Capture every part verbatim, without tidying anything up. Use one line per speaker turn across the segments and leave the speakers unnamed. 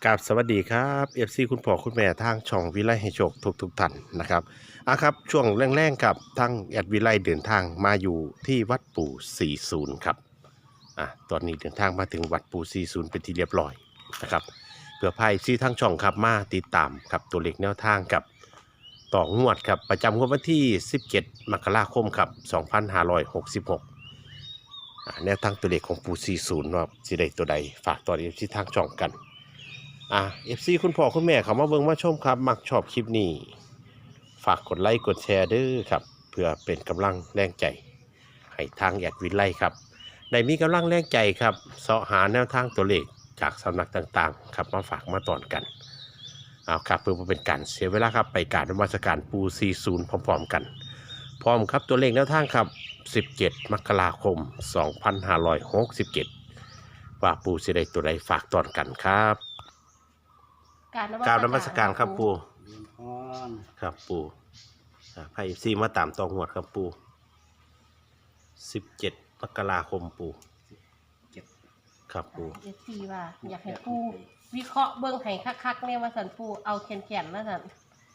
กับสวัสดีครับ เอฟ ซี คุณพ่อคุณแม่ทางช่องวิไลให้โชคทุกทุกท่านนะครับอ่ะครับช่วงแรงๆครับทางแอดวิไลเดินทางมาอยู่ที่วัดปู่สี่สิบครับอ่ะตอนนี้เดินทางมาถึงวัดปู่สี่สิบเป็นที่เรียบร้อยนะครับเพื่อพายซีทางช่องครับมาติดตามครับตัวเลขแนวทางกับต่องวดครับประจำงวดวันที่สิบเจ็ดมกราคมครับสองพันห้าร้อยหกสิบหกอ่ะแนวทางตัวเลขของปู่สี่สิบว่าสิได้ตัวใดฝากตอนเอฟซีทางช่องกัน อ่ะ เอฟ ซี คุณพ่อคุณแม่เขามาเบิ่งมาชมครับมักชอบคลิปนี้ฝากกดไลค์กดแชร์เด้อครับเพื่อเป็นกำลังแรงใจให้ทางแอดวินไลครับได้มีกำลังแรงใจครับเสาะหาแนวทางตัวเลขจากสำนักต่างๆครับมาฝากมาตอนกันเอาครับเพื่อเป็นการเสียเวลาครับไปกรารนมัสการปูสี่สิบพร้อมๆกันพร้อมครับตัวเลขแนวทางครับสิบเจ็ดมกราคมสองพันห้าร้อยหกสิบเจ็ดว่าปูสิได้ตัวใดฝากตอนกันครับกราบนมัสการครับปู
เรียนพร
ครับปูอ่าไพ่ซีมาตามตองหวดครับปูสิบเจ็ดมกราคมปู
เจ็ด
ครับปู
เอฟซีว่าอยากให้ปูวิเคราะห์เบิ่งให้คักๆเนี่ยว่าสันปูเอาแขนๆแล้วสัน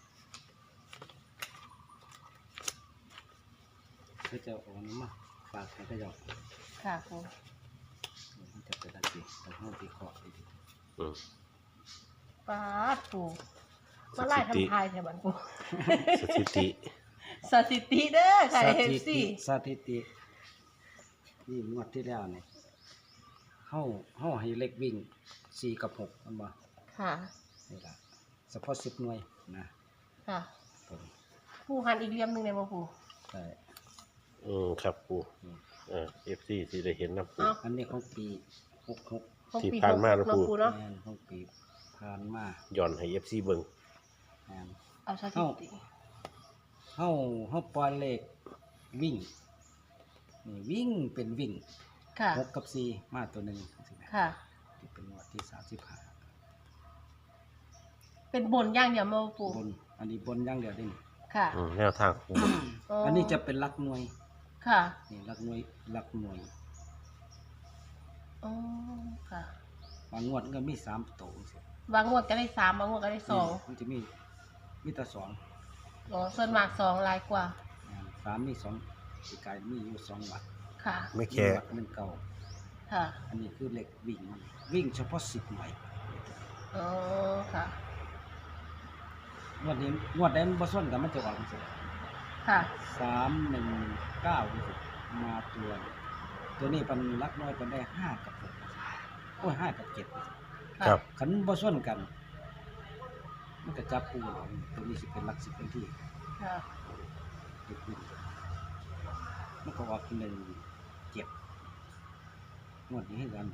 ก็จะเอาน้ำมาฝากให้ก็จะ
ค่ะปู
มันจะเป็นอะไรดีแต่ห้องตีขอบดี
อืม
ป้าดปูมาไล่ทำทายแถวบ้านปู
สถิติ
สถิติเด้อค่ะ
ส
เอฟ
ถิ
ซี
ติสถิตินี่งวดที่แล้วเนี่ยเข้าเข้าให้เล็กวิ่งสี่กับหกมันบ่
ค่ะ
นี่ละเฉพาะสิบหน่วยนะ
ค่ะ
ตัวนี้
ปูหันอีกเหลี่ยมหนึ่งในบ่ปู
ใช่
อืมครับปูเออเอฟซีที่ได้เห็นนะปู
เอา
อันนี้ของปีหกหก
ของ
ที่
ปี
ผ่านมา
ห
แล้ว
ก
ปู
ปูเนาะ
แมนของปีผ่านมา
ย้อนให้เอฟซีเบิ่ง
แมน
เอาสถิติ
เข้าเข้าปล่อยเลขวิ่งนี่วิ่งเป็นวิ่ง
ค่ะ
หกกับสี่มาตัวหนึ่งสิแม่
ค่ะ
ที่เป็นงวดที่สามสิบห้า
เป็นบนอย่างเดียวมาบ่ปู
บนอันนี้บนอย่างเดียวเด้นี่
ค่ะ
อืมแนวทางปู
อันนี้จะเป็นหลักหน่วย
ค่ะ
นี่หลักหน่วยหลักหน่วย
อ๋อค่ะ
บางงวดก็มีสามตัวสิ
บางงวดก็ได้สามบางงวดก็ได้สอง
มันจะมีมีแต่สอง
อ๋อส่วนมากสองหลายกว่า
อ่าสามมีสองสีกายมีอยู่สองวัด
ค่ะ
ไม่
ห
แค่
นึ่งวัดหนึ่งเก่า
ค่ะ
อันนี้คือเหล็กวิ่งมันวิ่งเฉพาะสิบหน่วย
อ๋อค่ะ
งวดนี้งวดใดมันบ่ส้นกันมันจะออกสิ
ค่ะ
สามหนึ่งเก้าสิมาตัว ตัวนี้เป็นหลักน้อยเป็นได้ห้ากับหกโอ้ยห้ากับเจ็ด
ครับ
ขันบ่ส่วนกัน มันก็จับปูหรอกตัวนี้สิเป็นหลักสิบเป็นที่
ค่ะ
เด็กวิ่งมันก็ออกหนึ่งเจ็ดงวดนี้ให้กัน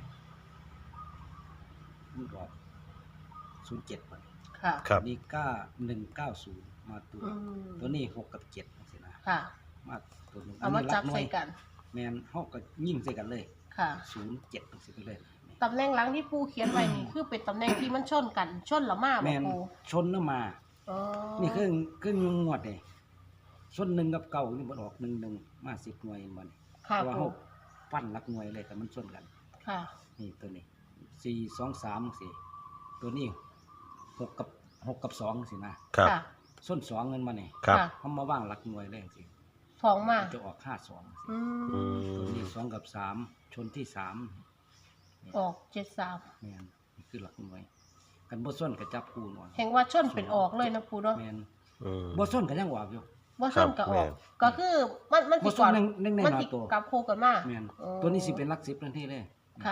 มันก็ออกศูนย์เจ็ดไป
ค่ะ
ครับ
นี่เก้าหนึ่งเก้าศูนย์มาตัว
อืม
ตัวนี้หกกับเจ็ดสินะ
ค่ะ
มาตัวหนึง
เอามาจับ
หน่ว
ใส่
ย
กัน
แมนเฮาก็ยิ่งใส่กันเลย
ค่ะ
ศูนย์เจ็ดสิไปเลย
ตำแหน่งหลังที่ปูเขียนไว้นี่คือเป็นตำแหน่งที่มันชนกัน ชนละมา
แม
บ่
น
ปู
ชนแล้วมา
อ๋อ
นี่คือคืองวดนี่ส่วนหนึ่งกับเก่านี่มันออกหนึ่งหนึ่งมาสิบหน่วยมัน
ค่ะ
เพราะว่า
ปู
เขาปั้นหลักหน่วยเลยแต่มันส่วนกัน
ค่ะ
นี่ตัวนี้สี่สองสามสี่ตัวนี้หกกับหกกับสองสินะครับ
ค่ะ
ส่วนสองเงินมาเนี่ย
ครับ
ค่ะ
เขามาว่างหลักหน่วยเลยสิ
สองมา
จะออกห้าสองสิ
อื
อื
ม
ตัว
ม
นี้สองกับสามชนที่สาม
ออกเจ็ดสาม
แมนนี่คือหลักหน่วย กันบ่ส่วนกับจับคูหน่อย
เห็นว่าชนเป็นออกเลยนะปูเนาะ
แมน
อืม
บ่ส่วนกันยังออกอยู่
ว่าชนกับออก
ครับแม่
ก็คือมันมัน
บ่
สิ
ส่ว
ก่อน น
หนึ่งหนึ่งใน
มัน
หน้า
สิ
ตัว
กลับโคกันมา
แมน
อ๋อ
ตัวนี้สิเป็นหลักสิบทันทีเลย
ค่ะ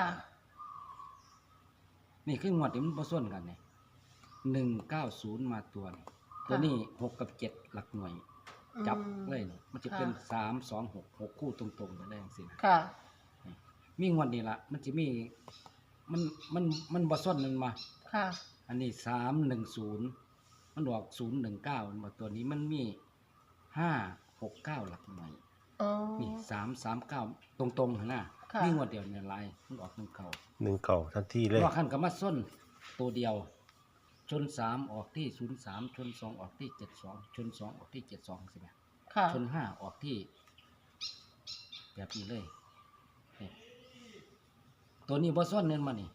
นี่คืองวดที่มันผสมกันเนี่ยหนึ่งเก้าศูนย์มาตัวนี่ตัวนี้หกกับเจ็ดหลักหน่วย จับ
อืม
เลยนี่มันจะเป็นสามสองหกหกคู่ตรงๆไปได้สินะ
ค่ะ
มีงวดนี้ละมันจะมี มันมันมันผสมมันมา
ค่ะ
อันนี้สามหนึ่งศูนย์มันออกศูนย์หนึ่งเก้ามาตัวนี้มันมีห้าหกเก้าหลักหน่วย
อ๋อ
นี่สามสามเก้าตรงๆนะ
ค่ะ
มีงวดเดียวเนี่ยลายมันออกหนึ่งเก้า
หนึ่งเก่าทันทีเลย
ว่าขั้นกับมาส้นตัวเดียว ชนสามออกที่ศูนย์สามชนสองออกที่เจ็ดสองชนสองออกที่เจ็ดสองใช่ไหม
ค่ะ
ชนห้าออกที่แบบนี้เลยนี่ตัวนี้บอส้นเน้นมานี่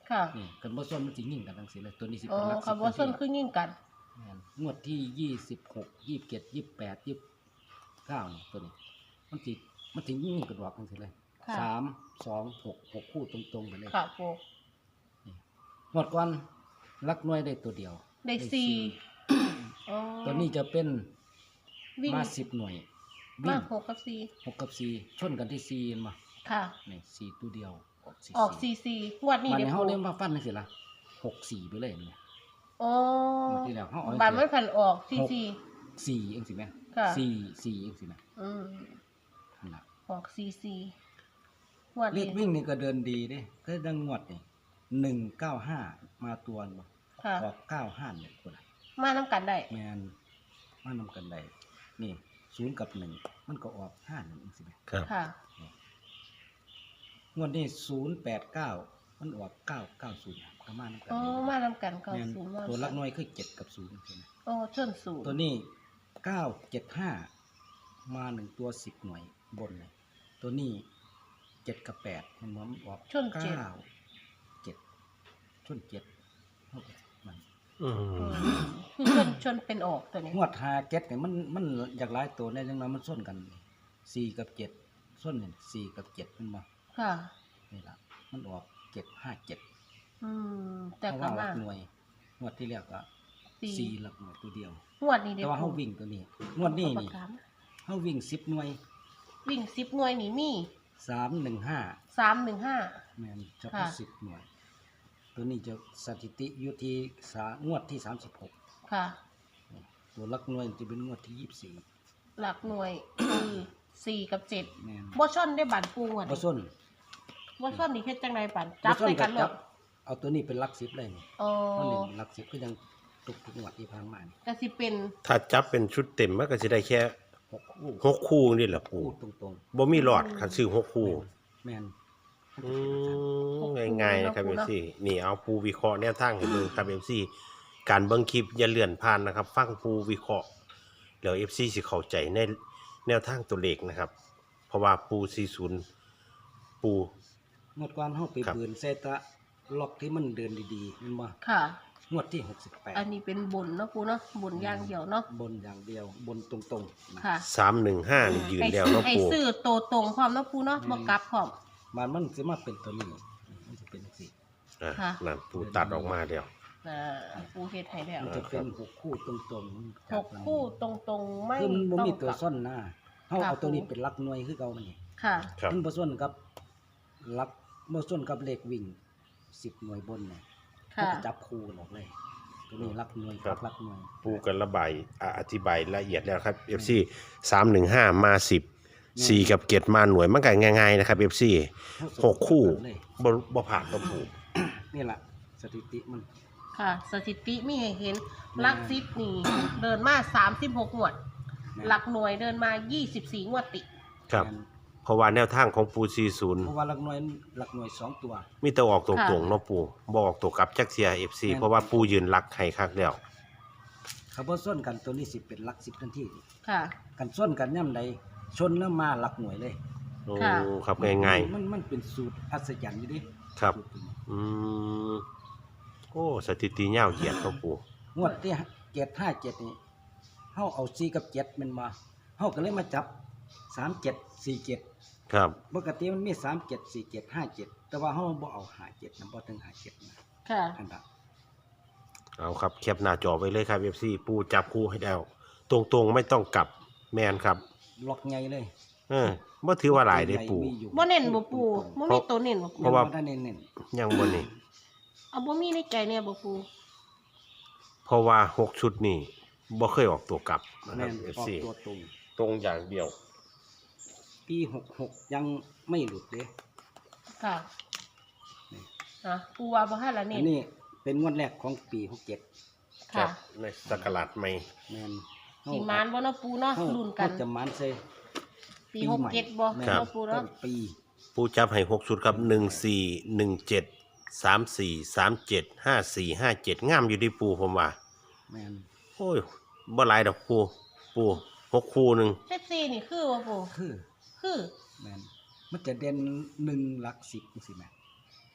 ค่ะ
นี่กันบ่ส้นมันสิยิ่งกันจังซี่เลยตัวนี้สิ
อ๋อ
เป็นหลัก
ค่ะบ่ส้นคือยิ่งกัน
แม่นงวดที่ยี่สิบหก ยี่สิบเจ็ด ยี่สิบแปด ยี่สิบเก้านี่ตัวนี้มันสิมันสิยิ่งกันดอกจังซี่เลย
ค่ะ
สาม สอง หก หกคู่ตรงๆไปเลย
ค่ะปู
งวดก่อนหลักหน่วยได้ตัวเดียว
ได้สี่อ๋อ
ตัวนี้จะเป็น
วิ่ง
มาสิบหน่วย
มา
วิ่ง
หกกับสี่
หกกับสี่ชนกันที่สี่เห็นบ่
ค่ะ
นี่สี่ตัวเดียวออกสี่
ออกสี่สี่งวดนี้
มัน
เดี๋ยว
เฮา
ปู
เล่นมาฟันจังซี่ล่ะหกสี่ไปเลยเนี่ย
อ๋อ
หมดที่แล้วเฮาเอา
บัตรมันผันออกสี่สี่
สี่เองสิแม่
ค่ะ
สี่สี่เองสิแม่
อืม
นั่นล่ะ
ออกสี่สี่งวด
เล
นี้
ขวิ่งนี่ก็เดินดีเด้ก็ดังงวดนี่หนึ่งเก้าห้ามาตัวบ่
ค่ะ
ออกเก้าห้าเนี่ยคนละ
มาน้ำกันได้
แม่นมานำกันได้นี่ศูนย์กับหนึ่งมันก็ออกห้าหนึ่งเองสิแม่
ครับ
ค่ะ
งวดนี้ศูนย์แปดเก้ามันออกเก้าเก้าศูนย์ก็มานำกัน
อ๋อ
ได้
มาน้ำกันเก้า
แม่น
ศูนย์มา
ตัวลักน้อยคือเจ็ดกับศูนย์ใช่ไหม
อ๋อชนศูนย์
ตัวนี้เก้าเจ็ดห้ามาหนึ่งตัวสิบหน่วยบนเลยตัวนี้เจ็ดกับแปดมันมันออก
ชนเจ็ด
เก้าเจ็ดชนเจ็ดเท่ากับมัน
อืม
อืมคือชนชนเป็นออกตัวนี้
งวดหาเจ็ดเนี่ยมันมันอยากหลายตัวเนี่ยจังนั้นมันส้นกันสี่กับเจ็ดส้นเนี่ยสี่กับเจ็ดมันมา
ค่ะ
นี่ละมันออกเจ็ดห้าเจ็ด
อืมแต่
เพราะ
ก็
ว่าหลั
มาก
หน่วยงวดที่แล้วก็
สี่
สี่หลักหน่วยตัวเดียว
งวดนี้เดี๋
แต่
ยว
ว่าเขา
ปู
วิ่งตัวนี้งวดนี้
เอาปา
นี่
กกามา
เขาวิ่งสิบหน่วย
วิ่งสิบหน่วยนี่มี
สามหนึ่งห้า
สามหนึ่งห้า
แมนเฉ
ค่ะ
พาะสิบหน่วย ตัวนี้จะสถิติอยู่ที่สางวดที่สามสิบหก
ค่ะ
ตัวหลักหน่วยจะเป็นงวดที่ยี่สิบสี่
หลักหน่วยคือสี่กับเจ็ด
แมน
บ่ชนได้บันปูอ่ะ
บ่ส้น
บ่ชนนี่เฮ็ดจังไดบันจับ
บ่ส้
ใส่กัน
บ
หล
จั
ด
เอาตัวนี้เป็นหลักสิบเลยนี่
อ๋อ
มันนี่หลักสิบก็ยังตุกทุกงวดที่ผ่านมานี่
ก็สิเป็น
ถ้าจับเป็นชุดเต็มมันก็จะได้แค่
หกคู่
หกคู่นี่แหละปู
คู่ตรง
บ่มีหลอดคันซื้อหก
ๆ
คู่
แมน
อืมง่ายๆนะครับเอฟซีนี่เอาปูวิเคราะห์แนวทางให้เบิ่งครับเอฟซีการเบิ่งคลิปอย่าเลื่อนผ่านนะครับ ฟังปูวิเคราะห์แล้วเอฟซีสิเข้าใจในแนวทางตัวเลขนะครับ เพราะว่าปูสี่สิบปู
งวดก่อนเฮาไป
ครับ
เบือนเซตะล็อกที่มันเดินดีๆแมันบ่
ค่ะ
งวดที่หกสิบแปด
อันนี้เป็นบนเนาะปูเนาะบนอย่างเดียวเนาะ
บนอย่างเดียวบนตรงๆนะ
ค่ะ
สามหนึ่งห้านี่ยืน
ไอ้
แล้ว
ซื้อ
เนาะ
ไอ้
ปู
ซื้อโตตรงพร้อมเนาะปูเนาะบ่กลับพร้อม
มันมันสิมาเป็นตัวนี้มันจะเป็นสิ
อ่ะ
ค่ะ
นั่นปูตัดออกมาแล้ว
อ่าปูเฮ็ดให้แล้ว
มันจะเป็นหกคู่ตรงๆ
หกคู่ตรงๆไม่
คือมันบ่
ต้อง
มี
ก
ตัว
ลับ
ส้นนะเฮา
ค่ะ
เอาตัวนี้เป็นหลักหน่วยคือเก่ามันนี่
ค่ะ
ครับ
มันบ่ส้นกับหลักบ่ส้นกับเลขวิ่งสิบหน่วยบนเนี่ย
ค่ะ
ก็จับคู่กันออกเลย ตัวนี้หลักหน่วยกับหลักหน่วย
ปูกันระบายอ่ะอธิบายละเอียดแล้วครับ เอฟ ซี สามหนึ่งห้ามาสิบ สี่กับเกียรติมาหน่วยมันก็ง่ายๆนะครับ เอฟ ซี หกคู่
เลย
บ่บ่ผ่านบ่ปู
นี่ล่ะสถิติมัน
ค่ะ สถิติมีให้เห็นหลักซิปนี่ เดินมาสามสิบหกงวด หลักหน่วยเดินมายี่สิบสี่งวดติด
ครับ เพราะว่าแนวทางของปูสี่สิบ
เพราะว่าหลักหน่วยหลักหน่วยสองตัว
มีแต่ออกตร
ค่ะ
งๆเนาะปูบ่ออกตัวกลับจักเสีย เอฟ ซี
แม่น
เพราะว่าปูยืนรักให้คักแล้ว
เขาบ่ส้นกันตัวนี้สิเป็นหลักสิบทันที
ค่ะ
กันส้นกันย่ำใดชนแล้วมาหลักหน่วยเลย
โอ้
ค่ะ
ครับง่าย
มันมันเป็นสูตรอัศจรรย์อยู่ดิ
ๆครับ
สูตรนี้
อืมโอ้สถิติยาวเหยียดเนาะปู
งวดที่เจ็ดห้าเจ็ดนี่เฮาเอาสี่กับเจ็ดมันมาเฮาก็เลยมาจับสามเจ็ดสี่เจ็ด
ครับ
ปกติมันมีสามเจ็ดสี่เจ็ดห้าเจ็ดแต่ว่าเฮาบ่เอาห้าเจ็ดนะบ่ถึงห้าเจ็ดนะ
ค่ะ
อันนั้น
เอาครับแคปหน้าจอไว้เลยครับ เอฟ ซี ปูจับคู่ให้แล้ว ตรงๆไม่ต้องกลับแมนครับ
ล็อกใหญ่เลย
เออบ่ถือว่าหลายเด้ปู
มีอยู่
บ่เน้นบ่ปูบ่มีตัวเน้นบ่ปู
เพราะว่า
ยังบ่ได้เน้น
ยังบ่นี่
เอาบ่มีในใจเนี่ยบ่ปู
เพราะว่าหกชุดนี่บ่เคยออกตัวกลับนะ
ๆ
ครั
แม่
บ
น
เอฟ
ออก
ซี
ตัวตรง
ตรงอย่างเดียว
ปีหกหกยังไม่หลุดเด้
ค่ะ
นี่
อ่ะปูว่าบ่ให้ละ
อั
เน้
น
น
นี้เป็นงวดแรกของปีหกเจ็ด
ครั
ค่ะ
บ ในสักราชใหม่
แม่น
สีมานบ่เนาะปูเนาะ
เฮา
รุ่นกัน
เฮาจะมันใส่
ปีหกเจ็ดบ่
แม่น
เนาะปู
ต้
เนาะ
นปี
ปูจับให้หกชุดครับหนึ่งสี่หนึ่งเจ็ดสามสี่สามเจ็ดห้าสี่ห้าเจ็ดงามอยู่ที่ปูผมว่า
แม่น
โอ้ยบ่หลายดอกปูปูหกคู่หนึ่ง
เซตซีนี่คือบ่ปู
คือ
คือ
แม่นมันจะเด่นหนึ่งหลักสิบจังซี่แม่น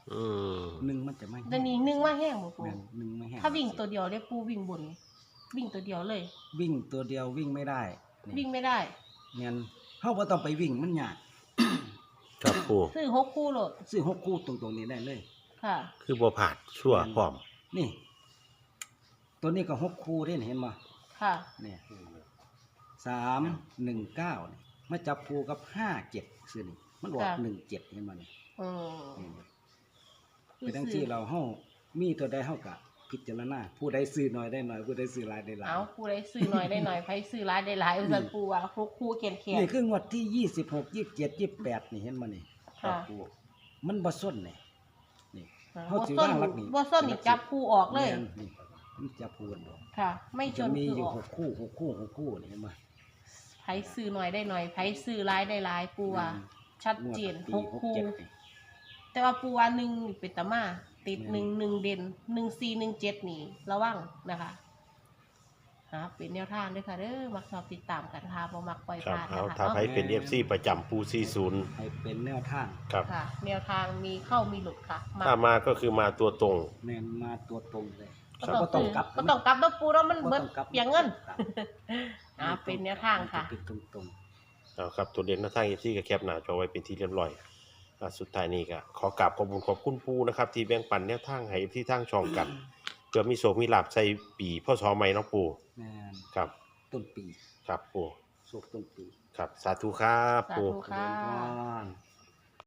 อืม
หนึ่งมันจะไม่
เดี๋ยวนี้หนึ่งว่าแห้งบ่ปู
แม่นหนึ่งไม่แห้ง
ถ้าวิ่งตัวเดียวได้ปูวิ่งบน วิ่งตัวเดียวเลย
วิ่งตัวเดียววิ่งไม่ได้นี่
วิ่งไม่ได้
แม่นเฮาบ่ต้องไปวิ่งมันยาก
ครับปู
ซื้อหกคู่โหลด
ซื้อหกคู่ตรงๆนี้ได้เลย
ค่ะ
คือบ่ผาดชั่วพร้อม
นี่ ตัวนี้ก็หกคู่เด้เห็นบ่
ค่ะ
เนี่ยสามหนึ่งเก้านี่มาจับคู่กับห้าเจ็ดซื่อนี่มันออก
ค่ะ
หนึ่งเจ็ดเห็นบ่นี่
อืม
ไปทั้งที่เราเฮามีตัวใดเฮาก็พิจารณาผู้ใดซื้อน้อยได้น้อยผู้ใดซื้อหลายได้หลาย
เอาปูได้ซื้อหน่อยได้หน่อยไผซื้อหลายได้หลายอุสันปูว่าหกคู่เขียนเขียน
นี่คืองวดที่ยี่สิบหก ยี่สิบเจ็ด ยี่สิบแปดนี่เห็นบ่นี่
ค่ะ
จับคู่มันบ่ส้นนี่นี่ เฮา
บ่
สิ
ส้น
วางหลักนี่
บ่ส้นนี่จับคู่ออกเลย
แม่นนี่มันจับคู่กันบ่
ค่ะ ไม่ช
จะ
น
มี
คือ
อยู่
ออก
หกคู่หกคู่หกคู่นี่เห็นบ่
ไผซื้อหน่อยได้หน่อยไผซื้อหลายได้หลายปูว่าชัดเจน
งวด
ห
ปี
กคู่
หกเจ็ดนี่
แต่ว่าปูว่าหนึ่งนี่เป็นตามาติดหนึ่งหนึ่งเด่นหนึ่งสี่หนึ่งเจ็ดนี่ระวังนะคะหาเป็นแนวทางด้วยค่ะเด้อมักชอบติดตามกันค่ะบ่มักปล่อย
ครับ
ผ่าน
เอา
นะคะ
ถ้า
เนาะ
ใครเป็น เอฟ ซี ประจำปูสี่สิบ
ให้เป็นแนวทาง
ครับ
ค่ะ แนวทางมีเข้ามีหลุดค่ะมัก
ถ้ามาก็คือมาตัวตรง
แม่นมาตัวตรงเลย
ก็
บ่
ต้
ต้
อ
อง งกลับ
ก็ต้องกลับแล้วปูแล้วมัน
บ่
เบิ
ต้
ด
องกลับ
เปียงเงิน
ครับ
อ่าเป็นแนวทางค่ะ
เป็นตรง
เอาครับตัวเด่นหน้าทาง เอฟ ซี ก็แคปหน้าจอไว้เป็นที่เรียบร้อยอ่าสุดท้ายนี้ก็ขอกราบขอบคุณขอบคุณปูนะครับที่แบ่งปันแนวทางให้ เอฟ ซี ทางช่องกันเพื่อมีโชคมีลาภใส่ปีพ่อสอใหม่เนาะปู
ๆแม่น
ครับ
ต้นปี
ครับปู
สุกต้นปี
ครับสาธุครับ
สา
ปู
ธุค่ะ
เจริญพร